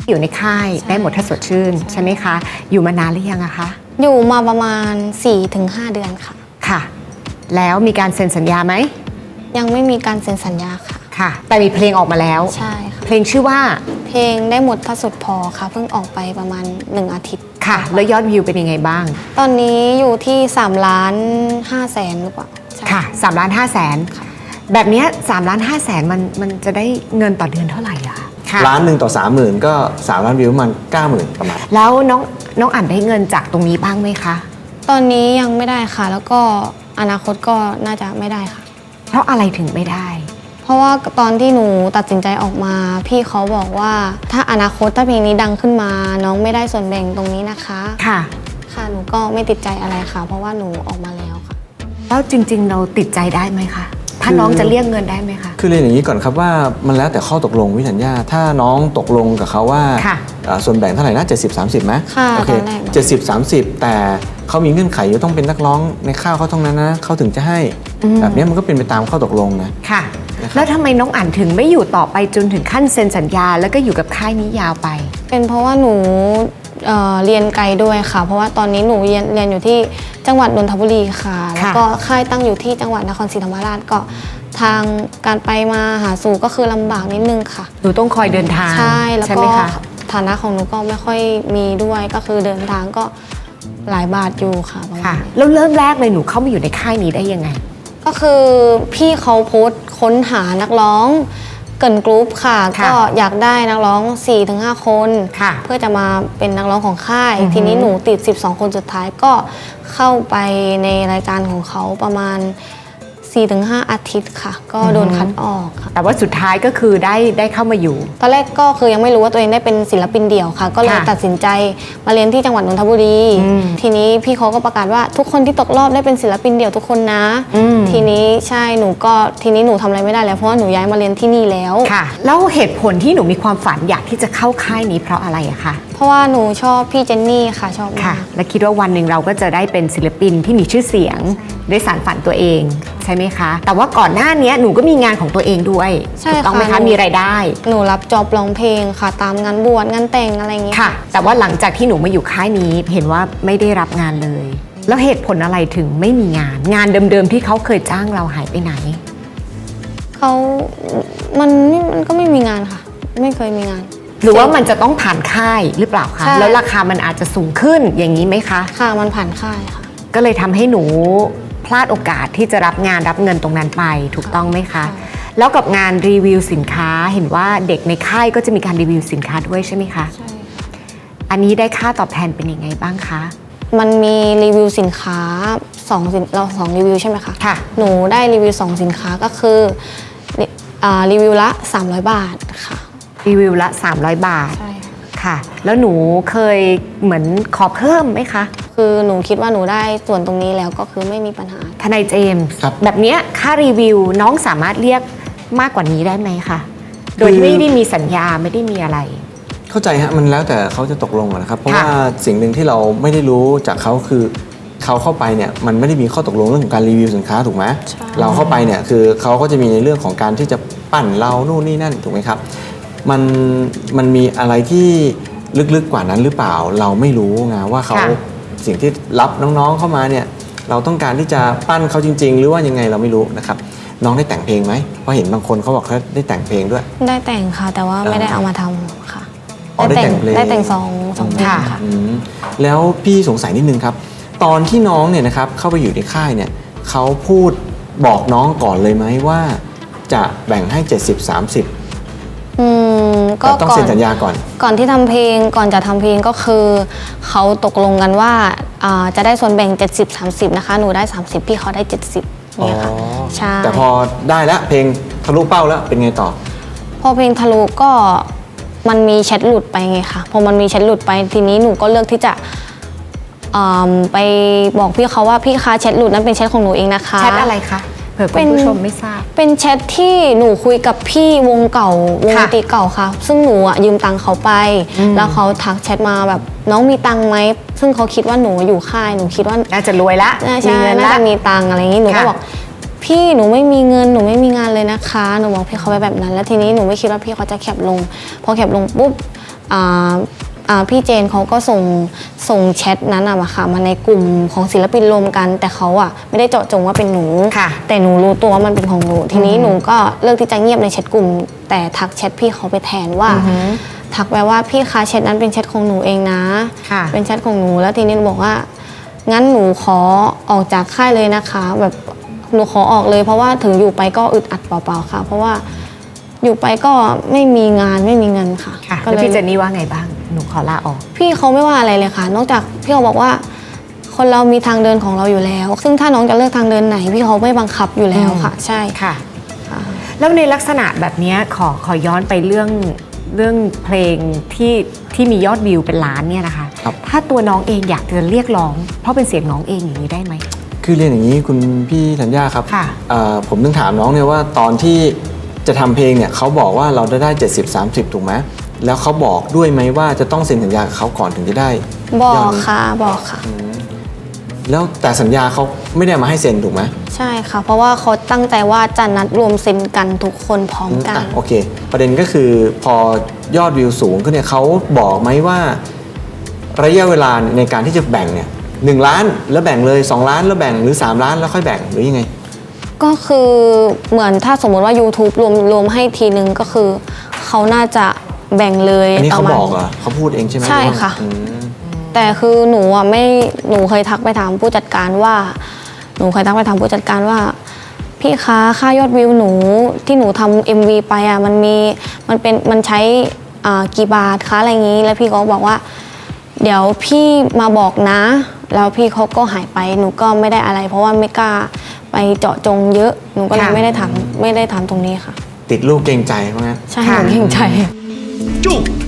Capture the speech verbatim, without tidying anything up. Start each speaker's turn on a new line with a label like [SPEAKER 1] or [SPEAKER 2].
[SPEAKER 1] อยู่ในค่ายได้หมดถ้าสดชื่นใช่ไหมคะอยู่มานานหรือยังอะคะ
[SPEAKER 2] อยู่มาประมาณ สี่ถึงห้า เดือนค่ะ
[SPEAKER 1] ค่ะแล้วมีการเซ็นสัญญาไหม
[SPEAKER 2] ยังไม่มีการเซ็นสัญญาค่ะ
[SPEAKER 1] ค่ะแต่มีเพลงออกมาแล้ว
[SPEAKER 2] ใช่ค่ะ
[SPEAKER 1] เพลงชื่อว่า
[SPEAKER 2] เพลงได้หมดถ้าสุดพอค่ะเพิ่งออกไปประมาณหนึ่งอาทิตย์
[SPEAKER 1] ค่ะแล้วยอดวิวเป็นยังไงบ้าง
[SPEAKER 2] ตอนนี้อยู่ที่สามล้านห้าแสนหรือเปล่า
[SPEAKER 1] ค่ะสามล้านห้าแสนแบบนี้สามล้านห้าแสนมันมันจะได้เงินต่อเดือนเท่าไหร่อะ
[SPEAKER 3] ล้านหนึ่งต่อสามหมื่นก็สามล้านวิวมันเก้าหมื่นประมาณ
[SPEAKER 1] แล้วน้องน้องอ่านได้เงินจากตรงนี้บ้างไหมคะ
[SPEAKER 2] ตอนนี้ยังไม่ได้ค่ะแล้วก็อนาคตก็น่าจะไม่ได้ค่ะ
[SPEAKER 1] เพราะอะไรถึงไม่ได้
[SPEAKER 2] เพราะว่าตอนที่หนูตัดสินใจออกมาพี่เขาบอกว่าถ้าอนาคตถ้าเพลงนี้ดังขึ้นมาน้องไม่ได้ส่วนแบ่งตรงนี้นะคะ
[SPEAKER 1] ค่ะ
[SPEAKER 2] ค่ะหนูก็ไม่ติดใจอะไรค่ะเพราะว่าหนูออกมาแล้วค่ะ
[SPEAKER 1] แล้วจริงๆเราติดใจได้ไหมคะถ้าน้องจะเรียกเงินได้ไหมคะ
[SPEAKER 3] คือเรียนอย่างนี้ก่อนครับว่ามันแล้วแต่ข้อตกลงวิสัญญาถ้าน้องตกลงกับเขาว่าส่วนแบ่งเท่าไหร่นะเจ็ดสิบ สามสิบไหม
[SPEAKER 2] ค่ะ
[SPEAKER 3] โอเคเจ็ดสิบ สามสิบแต่เขามีเงื่อนไขอยู่ต้องเป็นนักร้องในข้าวเขาเท่านั้นนะเขาถึงจะให้แบบนี้มันก็เป็นไปตามข้อตกลงนะ
[SPEAKER 1] ค่ะแล้วทำไมน้องอ่านถึงไม่อยู่ต่อไปจนถึงขั้นเซ็นสัญญาแล้วก็อยู่กับค่ายนี้ยาวไป
[SPEAKER 2] เป็นเพราะว่าหนูเอ่อเรียนไกลด้วยค่ะเพราะว่าตอนนี้หนูเรียนเรียนอยู่ที่จังหวัดนนทบุรีค่ะแล้วก็ค่ายตั้งอยู่ที่จังหวัดนครศรีธรรมราชก็ทางการไปมาหาสู่ก็คือลำบากนิดนึงค่ะ
[SPEAKER 1] หนูต้องคอยเดินทาง
[SPEAKER 2] ใช่แล้วก็ฐานะของหนูก็ไม่ค่อยมีด้วยก็คือเดินทางก็หลายบาทอยู่ค่ะ
[SPEAKER 1] ค่ะแล้วเริ่มแรกเลยหนูเข้ามาอยู่ในค่ายนี้ได้ยังไง
[SPEAKER 2] ก็คือพี่เขาโพสต์ค้นหานักร้องเกิร์ลกรุ๊ปค่ะก็อยากได้นักร้อง สี่ถึงห้า คนเพื่อจะมาเป็นนักร้องของค่ายทีนี้หนูติดสิบสองคนสุดท้ายก็เข้าไปในรายการของเขาประมาณ สี่ถึงห้า อาทิตย์ค่ะก็โดนคัดออกค่ะ
[SPEAKER 1] แต่ว่าสุดท้ายก็คือได้ได้เข้ามาอยู่
[SPEAKER 2] ตอนแรกก็คือยังไม่รู้ว่าตัวเองได้เป็นศิลปินเดี่ยวค่ะก็เลยตัดสินใจมาเรียนที่จังหวัดนนทบุรีทีนี้พี่เขาก็ประกาศว่าทุกคนที่ตกรอบได้เป็นศิลปินเดี่ยวทุกคนนะทีนี้ใช่หนูก็ทีนี้หนูทำอะไรไม่ได้แล้วเพราะว่าหนูย้ายมาเรียนที่นี่แล้ว
[SPEAKER 1] ค่ะแล้วเหตุผลที่หนูมีความฝันอยากที่จะเข้าค่ายนี้เพราะอะไรอะคะ
[SPEAKER 2] เพราะว่าหนูชอบพี่เจนนี่ค่ะชอบ
[SPEAKER 1] ค่ะและคิดว่าวันหนึ่งเราก็จะได้เป็นศิลปินที่มีชื่อเสียงได้สานฝันตัวเองใช่ไหมคะแต่ว่าก่อนหน้านี้หนูก็มีงานของตัวเองด้วยถูกต้องไหมคะมีรายได้
[SPEAKER 2] หนูรับจ็อบร้องเพลงค่ะตามงานบวชงานแต่งอะไรเงี้ย
[SPEAKER 1] ค่ะแต่ว่าหลังจากที่หนูมาอยู่ค่ายนี้เห็นว่าไม่ได้รับงานเลยแล้วเหตุผลอะไรถึงไม่มีงานงานเดิมๆที่เขาเคยจ้างเราหายไปไหน
[SPEAKER 2] เขามันมันก็ไม่มีงานค่ะไม่เคยมีงาน
[SPEAKER 1] หรือว่ามันจะต้องผ่านค่ายหรือเปล่าคะแล้วราคามันอาจจะสูงขึ้นอย่างนี้ไหมคะ
[SPEAKER 2] ค่ะมันผ่านค่ายค่ะ
[SPEAKER 1] ก็เลยทำให้หนูพลาดโอกาสที่จะรับงานรับเงินตรงนั้นไปถูกต้องไหมคะแล้วกับงานรีวิวสินค้าเห็นว่าเด็กในค่ายก็จะมีการรีวิวสินค้าด้วยใช่ไหมคะ
[SPEAKER 2] ใช่
[SPEAKER 1] อันนี้ได้ค่าตอบแทนเป็นยังไงบ้างคะ
[SPEAKER 2] มันมีรีวิวสินค้าสองเราสองรีวิวใช่ไหมคะ
[SPEAKER 1] ค่ะ
[SPEAKER 2] หนูได้รีวิวสองสินค้าก็คือรีวิวละสามร้อยบาทค่ะ
[SPEAKER 1] รีวิวละสามร้อยบาท
[SPEAKER 2] ใช่
[SPEAKER 1] ค่ะแล้วหนูเคยเหมือนขอเพิ่มไหมคะ
[SPEAKER 2] คือหนูคิดว่าหนูได้ส่วนตรงนี้แล้วก็คือไม่มีปัญหา
[SPEAKER 1] ทนายเจมส์แบบนี้ค่ารีวิวน้องสามารถเรียกมากกว่านี้ได้ไหมคะโดยที่ไม่ได้มีสัญญาไม่ได้มีอะไร
[SPEAKER 3] เข้าใจฮะมันแล้วแต่เขาจะตกลงนะครับเพราะว่าสิ่งหนึ่งที่เราไม่ได้รู้จากเขาคือเขาเข้าไปเนี่ยมันไม่ได้มีข้อตกลงเรื่องของการรีวิวสินค้าถูกไหมเราเข้าไปเนี่ยคือเขาก็จะมีในเรื่องของการที่จะปั้นเรานู่นนี่นั่นถูกไหมครับมันมันมีอะไรที่ลึกๆกว่านั้นหรือเปล่าเราไม่รู้ไงว่าเขาสิ่งที่รับน้องๆเข้ามาเนี่ยเราต้องการที่จะปั้นเขาจริงๆหรือว่ายังไงเราไม่รู้นะครับน้องได้แต่งเพลงไหมเพราะเห็นบางคนเขาบอกเขาได้แต่งเพลงด้วย
[SPEAKER 2] ได้แต่งค่ะแต่ว่าไม่ได้เอามาทำค่ะ
[SPEAKER 3] ได้แต่งเพลง
[SPEAKER 2] ได้แต่งสองสองเพลงค่ะ
[SPEAKER 3] แล้วพี่สงสัยนิดนึงครับตอนที่น้องเนี่ยนะครับเข้าไปอยู่ในค่ายเนี่ยเขาพูดบอกน้องก่อนเลยไหมว่าจะแบ่งให้เจ็ดสิบ สามสิบ
[SPEAKER 2] อืมก็
[SPEAKER 3] ต้องเซ็นสัญญาก่อน
[SPEAKER 2] ก่อนที่ทำเพลงก่อนจะทำเพลงก็คือเขาตกลงกันว่าจะได้ส่วนแบ่งเจ็ดสิบ สามสิบนะคะหนูได้สามสิบพี่เขาได้เจ็ดสิบเนี่ยค่ะใช่
[SPEAKER 3] แต่พอได้แล้วเพลงทะลุเป้าแล้วเป็นไงต่อ
[SPEAKER 2] พอเพลงทะลุก็มันมีแชทหลุดไปไงค่ะพอมันมีแชทหลุดไปทีนี้หนูก็เลือกที่จะไปบอกพี่เขาว่าพี่คะแชทหลุดนั้นเป็นแชทของหนูเองนะคะ
[SPEAKER 1] แชทอะไรคะเผื่อคุณผู้ชมไม่ทราบ
[SPEAKER 2] เป็นแชทที่หนูคุยกับพี่วงเก่าวงดนตรีเก่าค่ะซึ่งหนูอ่ะยืมตังค์เขาไปแล้วเขาทักแชทมาแบบน้องมีตังค์ไหมซึ่งเขาคิดว่าหนูอยู่ค่ายหนูคิดว่า
[SPEAKER 1] น่าจะรวยละ
[SPEAKER 2] ใช่น่าจะมีตังค์อะไรอย่างนี้หนูก็บอกพี่หนูไม่มีเงินหนูไม่มีงานเลยเลยนะคะหนูบอกพี่เขาไปแบบนั้นแล้วทีนี้หนูไม่คิดว่าพี่เขาจะแคปลงพอแคปลงปุ๊บอ่าอ่าพี่เจนเขาก็ส่งส่งแชทนั้นอะมาค่ะมาในกลุ่มของศิลปินรวมกัน แต่เขาอะไม่ได้เจาะจงว่าเป็นหนู
[SPEAKER 1] ค่ะ
[SPEAKER 2] แต่หนูรู้ตัวว่ามันเป็นของหนูทีนี้หนูก็เลือกที่จะเงียบในแชทกลุ่ม แต่ทักแชทพี่เขาไปแทนว่าทักไปว่าพี่คะแชทนั้นเป็นแชทของหนูเองนะ
[SPEAKER 1] ค่ะ
[SPEAKER 2] เป็นแชทของหนูแล้วทีนี้หนูบอกว่างั้นหนูขอออกจากค่ายเลยนะคะแบบหนูขอออกเลยเพราะว่าถึงอยู่ไปก็อึดอัดเปล่าๆค่ะ เพราะว่าอยู่ไปก็ไม่มีงานไม่มีเงินค่ะ
[SPEAKER 1] ค่ะ
[SPEAKER 2] ก็
[SPEAKER 1] แล้ว
[SPEAKER 2] เลย
[SPEAKER 1] พี่เจนนี่ว่าไงบ้างหนูขอลาออก
[SPEAKER 2] พี่เขาไม่ว่าอะไรเลยค่ะ นอกจากพี่เขาบอกว่า คนเรามีทางเดินของเราอยู่แล้ว ซึ่งถ้าน้องจะเลือกทางเดินไหน พี่เขาไม่บังคับอยู่แล้วค่ะ ใช่
[SPEAKER 1] ค่ะ
[SPEAKER 2] ค่ะ
[SPEAKER 1] แล้วในลักษณะแบบเนี้ยขอขอย้อนไปเรื่องเรื่องเพลงที่ที่มียอดวิวเป็นล้านเนี่ยนะคะ
[SPEAKER 3] ครับ
[SPEAKER 1] ถ้าตัวน้องเองอยากจะเรียกร้อง เพราะเป็นเสียงน้องเองอย่างนี้ได้ไหม
[SPEAKER 3] คือเรียนอย่างนี้คุณพี่ธัญญาครับ
[SPEAKER 1] ค่ะ
[SPEAKER 3] เอ่อผมต้องถามน้องเนี่ยว่าตอนที่จะทำเพลงเนี่ยเขาบอกว่าเราจะได้เจ็ดสิบ สามสิบถูกไหมแล้วเขาบอกด้วยไหมว่าจะต้องเซ็นสัญญากับเขาก่อนถึงจะได้
[SPEAKER 2] บอก
[SPEAKER 3] ยดนี้
[SPEAKER 2] ค่ะบอกค่ะ
[SPEAKER 3] แล้วแต่สัญญาเขาไม่ได้มาให้เซ็นถูกไหม
[SPEAKER 2] ใช่ค่ะ เพราะว่าเขาตั้งใจว่าจะนัดรวมเซ็นกันทุกคนพร้อมกัน
[SPEAKER 3] อ่ะโอเค ประเด็นก็คือพอยอดวิวสูงขึ้นเนี่ยเขาบอกไหมว่าระยะเวลาในการที่จะแบ่งเนี่ยหนึ่งล้านแล้วแบ่งเลยสองล้านแล้วแบ่งหรือสามล้านแล้วค่อยแบ่งหรือยังไง
[SPEAKER 2] ก็คือเหมือนถ้าสมมติว่า YouTube รวมรวมให้ทีนึงก็คือเขาน่าจะแบ่งเลย
[SPEAKER 3] อันนี้
[SPEAKER 2] ป
[SPEAKER 3] เขา
[SPEAKER 2] ระมาณ
[SPEAKER 3] บอกเหรอเขาพูดเองใช่ไหม
[SPEAKER 2] ใช่ค่ะ
[SPEAKER 3] อืม
[SPEAKER 2] แต่คือหนูอ่ะไม่หนูเคยทักไปถามผู้จัดการว่า หนูเคยทักไปถามผู้จัดการว่า พี่คะค่ายอดวิวหนูที่หนูทำ เอ็ม วี ไปอ่ะมันมีมันเป็นมันใช้อ่ากี่บาทคะอะไรอย่างนี้ แล้วพี่ก็บอกว่า เดี๋ยวพี่มาบอกนะ แล้วพี่เขาก็หายไปหนูก็ไม่ได้อะไร เพราะว่าไม่กล้าไปเจาะจงเยอะหนูก็เลย
[SPEAKER 1] ค่ะ
[SPEAKER 2] ไม่ได้ถามไม่ได้ถามตรงนี้ค่ะ
[SPEAKER 3] ติดลูกเกรงใจเพราะงั้น
[SPEAKER 2] ใช่หนูเกรงใจ
[SPEAKER 4] จุก